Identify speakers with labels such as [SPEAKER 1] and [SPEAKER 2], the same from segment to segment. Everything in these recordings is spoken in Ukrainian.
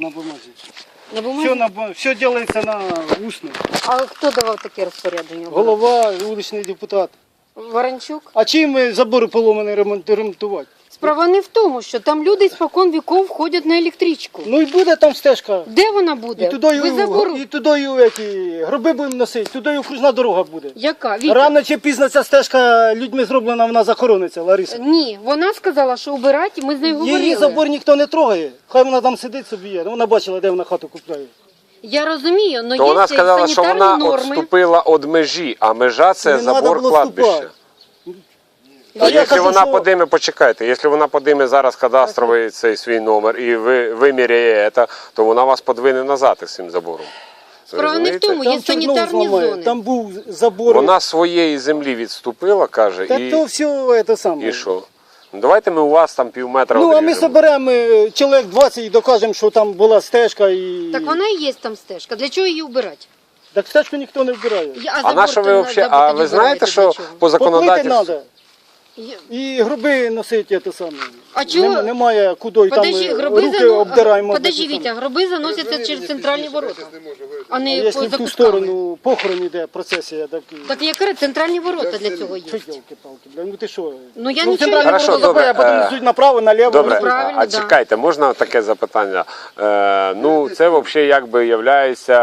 [SPEAKER 1] На бумазі.
[SPEAKER 2] На бумазі?
[SPEAKER 1] Все робиться на усно.
[SPEAKER 2] А хто давав таке розпорядження?
[SPEAKER 1] Голова, вуличний депутат.
[SPEAKER 2] Ворончук?
[SPEAKER 1] А чим забори поломані ремонтувати?
[SPEAKER 2] Справа не в тому, що там люди спокон віков ходять на електричку.
[SPEAKER 1] Ну і буде там стежка.
[SPEAKER 2] Де вона буде? Ви забору...
[SPEAKER 1] І туди гроби будемо носити, туди окружна дорога буде.
[SPEAKER 2] Яка? Вітя?
[SPEAKER 1] Рано чи пізно ця стежка людьми зроблена, вона захорониться, Лариса.
[SPEAKER 2] Ні, вона сказала, що убирати, ми з нею говорили.
[SPEAKER 1] Її забор ніхто не трогає. Хай вона там сидить собі є. Вона бачила, де вона хату купляє.
[SPEAKER 2] Я розумію, але
[SPEAKER 3] То
[SPEAKER 2] є
[SPEAKER 3] вона сказала, що
[SPEAKER 2] санітарні
[SPEAKER 3] вона
[SPEAKER 2] норми.
[SPEAKER 3] відступила від межі, а межа це
[SPEAKER 1] Не
[SPEAKER 3] забор
[SPEAKER 1] надо було
[SPEAKER 3] кладбища.
[SPEAKER 1] вступати.
[SPEAKER 3] А
[SPEAKER 1] я
[SPEAKER 3] якщо
[SPEAKER 1] кажу,
[SPEAKER 3] вона
[SPEAKER 1] що-
[SPEAKER 3] подиме, почекайте, якщо вона подиме зараз кадастровий цей свій номер і виміряє це, то вона вас подвине назад із цим забором.
[SPEAKER 2] Справа не в
[SPEAKER 3] Розумієте?
[SPEAKER 2] тому, є
[SPEAKER 1] Там Чорнов
[SPEAKER 2] санітарні
[SPEAKER 1] зламає.
[SPEAKER 2] зони.
[SPEAKER 1] Там був забор.
[SPEAKER 3] Вона з своєї землі відступила, каже,
[SPEAKER 1] Та то все це саме.
[SPEAKER 3] і що? Ну, давайте ми у вас там півметра
[SPEAKER 1] Ну, а ми
[SPEAKER 3] одріжемо.
[SPEAKER 1] соберемо чоловік 20 і докажемо, що там була стежка і...
[SPEAKER 2] Так вона і є там стежка. Для чого її убирати?
[SPEAKER 1] Так стежку ніхто не вбирає.
[SPEAKER 3] А на що ви взагалі? А ви знаєте, що по
[SPEAKER 1] Поплити
[SPEAKER 3] законодавству...
[SPEAKER 1] треба. І гроби носити те саме.
[SPEAKER 2] А чого?
[SPEAKER 1] Немає куди
[SPEAKER 2] Подожди,
[SPEAKER 1] там
[SPEAKER 2] гроби
[SPEAKER 1] руки обдираємо.
[SPEAKER 2] Подожди, Вітя, гроби заносяться через центральні ворота, а
[SPEAKER 1] А
[SPEAKER 2] не
[SPEAKER 1] якщо
[SPEAKER 2] за
[SPEAKER 1] в ту
[SPEAKER 2] кутками.
[SPEAKER 1] сторону похорон іде процесія, так...
[SPEAKER 2] Так яка центральні ворота для цього є?
[SPEAKER 1] Що ділки-палки, бля, ну ти що?
[SPEAKER 2] Ну я
[SPEAKER 1] Ну,
[SPEAKER 2] нічого
[SPEAKER 1] центральні
[SPEAKER 2] не
[SPEAKER 3] Хорошо,
[SPEAKER 1] ворота
[SPEAKER 3] добре,
[SPEAKER 1] забирає, а потім йдуть направо, наліво.
[SPEAKER 3] Добре,
[SPEAKER 2] правильно,
[SPEAKER 3] а
[SPEAKER 2] да.
[SPEAKER 3] чекайте, можна таке запитання? Ну, це взагалі якби являється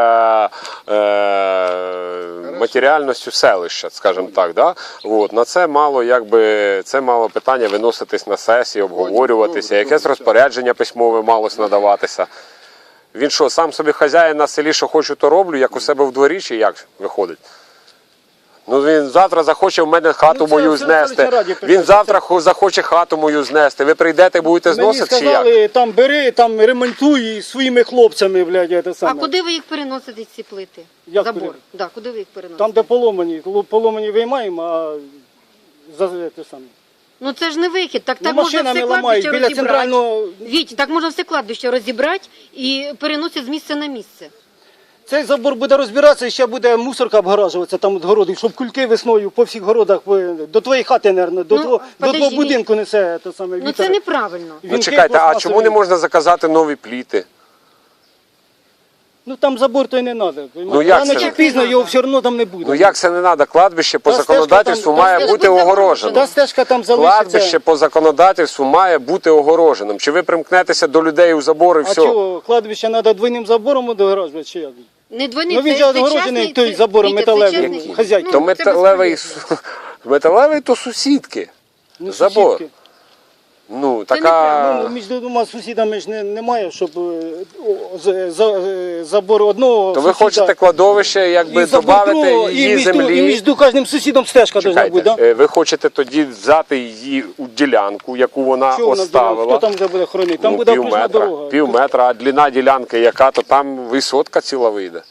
[SPEAKER 3] матеріальністю селища, скажімо так, да? От, на це мало, якби, це мало питання виноситись на сесії, обговорюватися, якесь розпорядження письмове малось надаватися. Він що, сам собі хазяїн на селі, що хочу, то роблю, як у себе в дворі, чи як виходить? Ну він завтра захоче в мене хату
[SPEAKER 1] Ну, це
[SPEAKER 3] мою
[SPEAKER 1] все
[SPEAKER 3] знести.
[SPEAKER 1] селищна раді
[SPEAKER 3] Він
[SPEAKER 1] писати.
[SPEAKER 3] завтра захоче хату мою знести. Ви прийдете, будете
[SPEAKER 1] Мені
[SPEAKER 3] зносити чи як?
[SPEAKER 1] сказали, там бери, там ремонтуй і своїми хлопцями, блядь, це
[SPEAKER 2] А
[SPEAKER 1] саме.
[SPEAKER 2] куди ви їх переносите, ці плити?
[SPEAKER 1] Як
[SPEAKER 2] Забор.
[SPEAKER 1] куди?
[SPEAKER 2] Да, куди ви їх переносите?
[SPEAKER 1] Там, де поломані виймаємо, а за те саме.
[SPEAKER 2] Ну це ж не вихід. Так
[SPEAKER 1] Ну,
[SPEAKER 2] можна
[SPEAKER 1] машинами
[SPEAKER 2] все
[SPEAKER 1] ламають,
[SPEAKER 2] кладбище
[SPEAKER 1] біля
[SPEAKER 2] розібрати.
[SPEAKER 1] центрального...
[SPEAKER 2] Віть, так можна все кладбище розібрати і переносити з місця на місце.
[SPEAKER 1] Цей забор буде розбиратися і ще буде мусорка обгаражуватися там від городу, щоб кульки весною по всіх городах, до твоєї хати, мабуть, до твого
[SPEAKER 2] подожди,
[SPEAKER 1] будинку несе те саме
[SPEAKER 2] Ну
[SPEAKER 1] вітер.
[SPEAKER 2] це неправильно.
[SPEAKER 3] Ну
[SPEAKER 1] Вінки
[SPEAKER 3] чекайте, а
[SPEAKER 1] пластмасові.
[SPEAKER 3] чому не можна заказати нові пліти?
[SPEAKER 1] Ну там забор то й не треба.
[SPEAKER 3] Ну, як
[SPEAKER 1] Рано
[SPEAKER 3] це
[SPEAKER 1] чи
[SPEAKER 3] не
[SPEAKER 1] пізно
[SPEAKER 2] надо?
[SPEAKER 1] його все одно там не буде.
[SPEAKER 3] Ну як це не треба? Кладбище по
[SPEAKER 1] Та стежка
[SPEAKER 3] законодавству
[SPEAKER 1] там-
[SPEAKER 3] має
[SPEAKER 2] та
[SPEAKER 3] бути
[SPEAKER 2] стежка
[SPEAKER 3] огороженим.
[SPEAKER 1] Та стежка там залишиться.
[SPEAKER 3] Кладбище по законодавству має бути огороженим. Чи ви примкнетеся до людей у забор і
[SPEAKER 1] А
[SPEAKER 3] все?
[SPEAKER 1] чого, кладбище треба двойним забором огороджувати, чи як?
[SPEAKER 2] Не двойний,
[SPEAKER 1] Ну він же огороджений той забором металевим, хазяйки.
[SPEAKER 3] То металевий то сусідки.
[SPEAKER 1] Ну,
[SPEAKER 3] Забор.
[SPEAKER 1] сусідки.
[SPEAKER 3] Ну,
[SPEAKER 2] Це
[SPEAKER 3] така...
[SPEAKER 1] Ну, між двома сусідами ж немає, щоб забор одного
[SPEAKER 3] То ви
[SPEAKER 1] сусіда
[SPEAKER 3] хочете кладовище, якби
[SPEAKER 1] і забор
[SPEAKER 3] додати
[SPEAKER 1] другого,
[SPEAKER 3] її
[SPEAKER 1] і між
[SPEAKER 3] землі.
[SPEAKER 1] кожним сусідом стежка должна бути,
[SPEAKER 3] Чекайте,
[SPEAKER 1] да?
[SPEAKER 3] ви хочете тоді взяти її у ділянку, яку вона
[SPEAKER 1] Що вона дорога?
[SPEAKER 3] оставила.
[SPEAKER 1] Хто там вже буде хоронити? Там
[SPEAKER 3] Ну,
[SPEAKER 1] буде окружна дорога.
[SPEAKER 3] пів метра, а длина ділянки яка, то там висотка ціла вийде.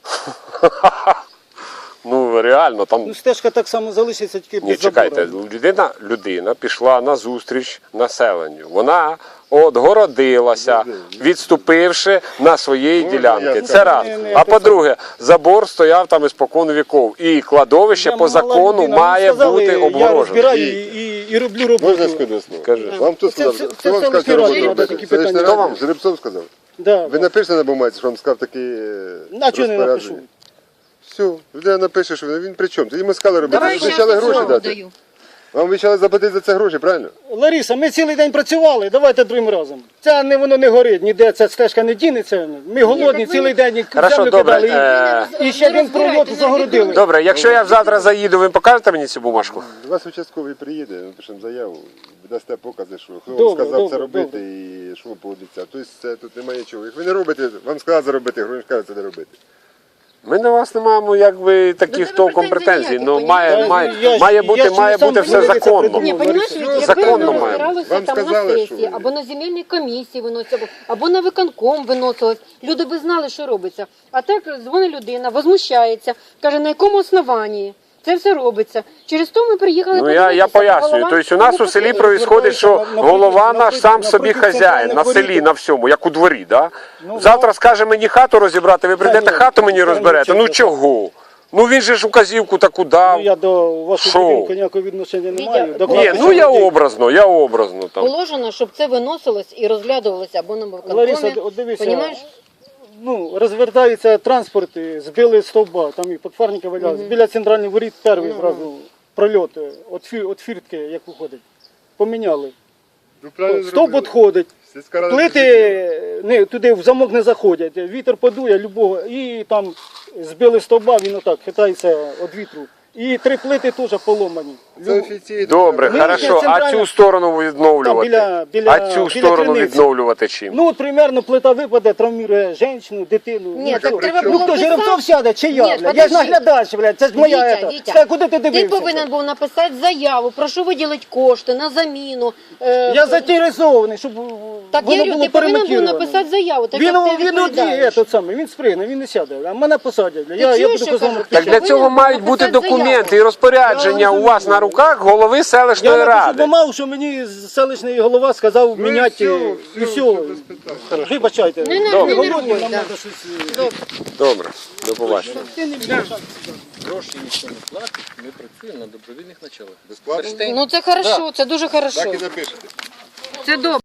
[SPEAKER 3] Ну реально, там...
[SPEAKER 1] Ну стежка так само залишиться, тільки
[SPEAKER 3] Ні,
[SPEAKER 1] без
[SPEAKER 3] чекайте,
[SPEAKER 1] забору.
[SPEAKER 3] людина пішла на зустріч населенню. Вона отгородилася, відступивши на своєї ділянки. Це раз. А по-друге, забор стояв там іспокон віков. І кладовище
[SPEAKER 1] Я
[SPEAKER 3] по
[SPEAKER 1] мала
[SPEAKER 3] закону
[SPEAKER 1] людина,
[SPEAKER 3] має
[SPEAKER 1] мені сказали,
[SPEAKER 3] бути
[SPEAKER 1] Я
[SPEAKER 3] обгорожене.
[SPEAKER 1] розбираю і роблю роботу.
[SPEAKER 4] Можна сказати слово?
[SPEAKER 3] Кажи.
[SPEAKER 4] Вам хто
[SPEAKER 1] Це-
[SPEAKER 4] сказав?
[SPEAKER 1] це-
[SPEAKER 4] Хто вам
[SPEAKER 1] це
[SPEAKER 4] сказав, що
[SPEAKER 1] селищна
[SPEAKER 4] роботу
[SPEAKER 1] рада,
[SPEAKER 4] робити?
[SPEAKER 1] такі
[SPEAKER 4] Селищна
[SPEAKER 1] питання.
[SPEAKER 4] рада?
[SPEAKER 3] Хто вам?
[SPEAKER 4] Жеребцов сказав?
[SPEAKER 1] Да.
[SPEAKER 4] Ви напишете на бумаці, що вам сказав такі
[SPEAKER 1] А чого не напишу?
[SPEAKER 4] розпорядження? Все, людина напише, що він при чому? Тоді ми сказали робити.
[SPEAKER 2] Давай
[SPEAKER 4] Ви обіцяли
[SPEAKER 2] щас
[SPEAKER 4] гроші
[SPEAKER 2] слово
[SPEAKER 4] дати.
[SPEAKER 2] даю.
[SPEAKER 4] Вам обіцяли заплатити за це гроші, правильно?
[SPEAKER 1] Лариса, ми цілий день працювали, давайте другим разом. Це не воно не горить, ніде ця стежка не дінеться. Ми голодні
[SPEAKER 2] так ви
[SPEAKER 1] цілий день
[SPEAKER 3] Хорошо,
[SPEAKER 1] землю
[SPEAKER 3] добре,
[SPEAKER 1] кидали. І ще один пролот загородили.
[SPEAKER 3] Добре, якщо я завтра заїду, ви покажете мені цю бумажку?
[SPEAKER 4] До вас участковий приїде, ми пишемо заяву, дасте покази, що хто вам
[SPEAKER 1] Добре,
[SPEAKER 4] сказав
[SPEAKER 1] добре,
[SPEAKER 4] це робити і що ви погодиться. Тобто це тут немає нічого. Як ви не робите, вам сказали заробити, гроші кажуть, це не робити.
[SPEAKER 3] Ми до вас не маємо якби таких
[SPEAKER 2] тебе
[SPEAKER 3] толком
[SPEAKER 2] претензій
[SPEAKER 3] претензій. Ну
[SPEAKER 2] ніяких,
[SPEAKER 3] має бути все законно.
[SPEAKER 2] Ні, розумієш, якби
[SPEAKER 3] Законно
[SPEAKER 2] воно
[SPEAKER 3] має.
[SPEAKER 2] розбиралося
[SPEAKER 4] Вам
[SPEAKER 2] там на
[SPEAKER 4] сказали,
[SPEAKER 2] сесії,
[SPEAKER 4] що-
[SPEAKER 2] або на земельній комісії виносило, або на виконком виносилось, люди би знали, що робиться. А так дзвонить людина, возмущається, каже, на якому основанні це все робиться. Через то ми приїхали
[SPEAKER 3] Ну
[SPEAKER 2] подивитися,
[SPEAKER 3] я пояснюю.
[SPEAKER 2] голова
[SPEAKER 3] Тобто у нас у селі
[SPEAKER 2] не
[SPEAKER 3] происходить, що голова наш сам собі
[SPEAKER 1] напроти
[SPEAKER 3] хазяїн на
[SPEAKER 1] центральних
[SPEAKER 3] селі,
[SPEAKER 1] воріт.
[SPEAKER 3] на всьому, як у дворі. Да?
[SPEAKER 1] Ну,
[SPEAKER 3] Завтра скаже мені хату розібрати, ви прийдете
[SPEAKER 1] ні,
[SPEAKER 3] хату мені
[SPEAKER 1] та ні,
[SPEAKER 3] розберете. Ну
[SPEAKER 1] чесно.
[SPEAKER 3] чого? Ну він же ж указівку таку дав.
[SPEAKER 1] Ну, я до вашого
[SPEAKER 3] Що?
[SPEAKER 1] будинку ніякого відношення не маю. До
[SPEAKER 3] Ні,
[SPEAKER 1] кладбища
[SPEAKER 3] ну я
[SPEAKER 1] людей.
[SPEAKER 3] образно там.
[SPEAKER 2] Положено, щоб це виносилось і розглядувалося або на
[SPEAKER 1] Лариса,
[SPEAKER 2] виконкомі.
[SPEAKER 1] от дивися,
[SPEAKER 2] Понімаєш?
[SPEAKER 1] ну, розвертається транспорт, і збили стовба, там і подфарники валялися. Біля центральних воріт перший зразу прольот від фіртки, як виходить. Поміняли.
[SPEAKER 4] Ну, правильно
[SPEAKER 1] Стовп
[SPEAKER 4] зробили.
[SPEAKER 1] відходить.
[SPEAKER 4] Сільська рада
[SPEAKER 1] Плити не, туди в замок не заходять, вітер подує любого, і там збили стовба, він отак хитається від вітру. І 3 плити теж поломані.
[SPEAKER 4] Це офіційно.
[SPEAKER 3] Добре,
[SPEAKER 1] Ми
[SPEAKER 3] хорошо. А
[SPEAKER 1] центральна-
[SPEAKER 3] цю сторону відновлювати?
[SPEAKER 1] Там біля-
[SPEAKER 3] А цю
[SPEAKER 1] біля
[SPEAKER 3] сторону
[SPEAKER 1] криниці.
[SPEAKER 3] відновлювати чим?
[SPEAKER 1] Ну, от примерно плита випаде, травмує жінку, дитину.
[SPEAKER 2] Ні,
[SPEAKER 1] Ну,
[SPEAKER 2] так
[SPEAKER 1] що?
[SPEAKER 2] треба
[SPEAKER 1] Ну
[SPEAKER 2] було
[SPEAKER 1] хто
[SPEAKER 2] писати.
[SPEAKER 1] Жеребцов сяде, чи я?
[SPEAKER 2] Ні,
[SPEAKER 1] блядь? Я ж
[SPEAKER 2] подожди.
[SPEAKER 1] наглядач, блядь, це ж моя
[SPEAKER 2] Вітя,
[SPEAKER 1] ета.
[SPEAKER 2] Вітя,
[SPEAKER 1] Все, куди ти
[SPEAKER 2] Ти
[SPEAKER 1] дивився?
[SPEAKER 2] повинен був написати заяву, прошу виділити кошти на заміну.
[SPEAKER 1] Я заінтересований, щоб
[SPEAKER 2] Так
[SPEAKER 1] воно
[SPEAKER 2] я говорю,
[SPEAKER 1] було
[SPEAKER 2] ти повинен був
[SPEAKER 1] перемонтировано.
[SPEAKER 2] написати заяву, так
[SPEAKER 1] Він,
[SPEAKER 2] як ти
[SPEAKER 1] він
[SPEAKER 2] відповідаєш.
[SPEAKER 1] тот самий, він спригне, він не сяде, а мене посадять.
[SPEAKER 2] Ти
[SPEAKER 1] Я
[SPEAKER 2] чуєш,
[SPEAKER 1] буду
[SPEAKER 2] що
[SPEAKER 1] козом.
[SPEAKER 2] кажуть?
[SPEAKER 3] Так
[SPEAKER 2] Ти
[SPEAKER 3] для
[SPEAKER 2] повинен
[SPEAKER 3] цього
[SPEAKER 2] був
[SPEAKER 3] мають бути
[SPEAKER 2] написати
[SPEAKER 3] документи і
[SPEAKER 2] заяву.
[SPEAKER 3] розпорядження
[SPEAKER 1] Я
[SPEAKER 3] у вас на руках голови
[SPEAKER 1] Я
[SPEAKER 3] селищної
[SPEAKER 1] напишу
[SPEAKER 3] ради.
[SPEAKER 1] бумагу, що мені селищний голова сказав
[SPEAKER 4] Ну,
[SPEAKER 1] міняти,
[SPEAKER 4] і
[SPEAKER 1] і
[SPEAKER 4] все,
[SPEAKER 1] все.
[SPEAKER 4] без питань.
[SPEAKER 1] Вибачайте.
[SPEAKER 2] Не, не,
[SPEAKER 1] Добре.
[SPEAKER 2] не
[SPEAKER 1] Голодні,
[SPEAKER 2] нервуй,
[SPEAKER 1] нам
[SPEAKER 2] да.
[SPEAKER 1] треба щось...
[SPEAKER 2] Добре.
[SPEAKER 3] Добре, до побачення.
[SPEAKER 1] Ти не мішай.
[SPEAKER 5] Гроші ніхто не платить, ми працюємо на добровільних началах.
[SPEAKER 4] Безплатно?
[SPEAKER 5] Перштейн.
[SPEAKER 2] Ну це хорошо, це дуже хорошо.
[SPEAKER 4] Так і напишете.
[SPEAKER 2] Це добре.